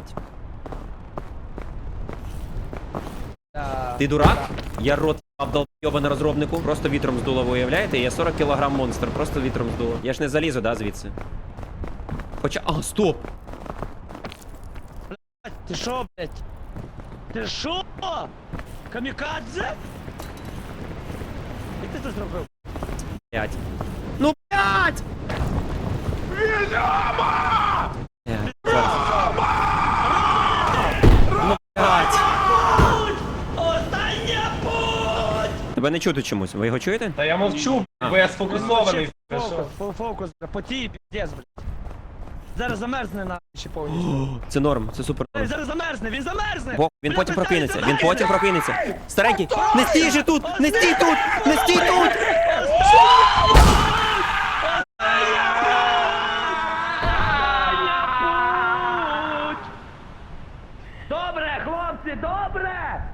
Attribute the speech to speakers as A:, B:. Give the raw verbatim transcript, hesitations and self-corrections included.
A: блядь. Ти дурак? Я рот обдолбьоба на розробнику. Просто вітром здуло, ви уявляєте? Я сорок кілограм монстр, просто вітром здуло. Я ж не залізу, да, звідси? Хоча... А, стоп!
B: Ти шо, блядь? Ти шо? Камікадзе? І ти це зробив?
A: Блядь. Ну, блядь! Відомо! Ну, блядь!
B: Остання путь!
A: Тебе не чути чомусь, ви його чуєте?
C: Та я мовчу, бо я сфокусований.
B: Фокус, фо- фокус, по тій піздець, блядь. Зараз замерзне на ще повністю.
A: Це норм, це супер
B: Ей,
A: норм.
B: зараз замерзне, він замерзне!
A: Бо він
B: Бля,
A: потім
B: ви
A: прокинеться,
B: знаєте,
A: він потім прокинеться. Старенький, не стій же тут, не стій тут, не стій тут!
B: Добре, хлопці, добре!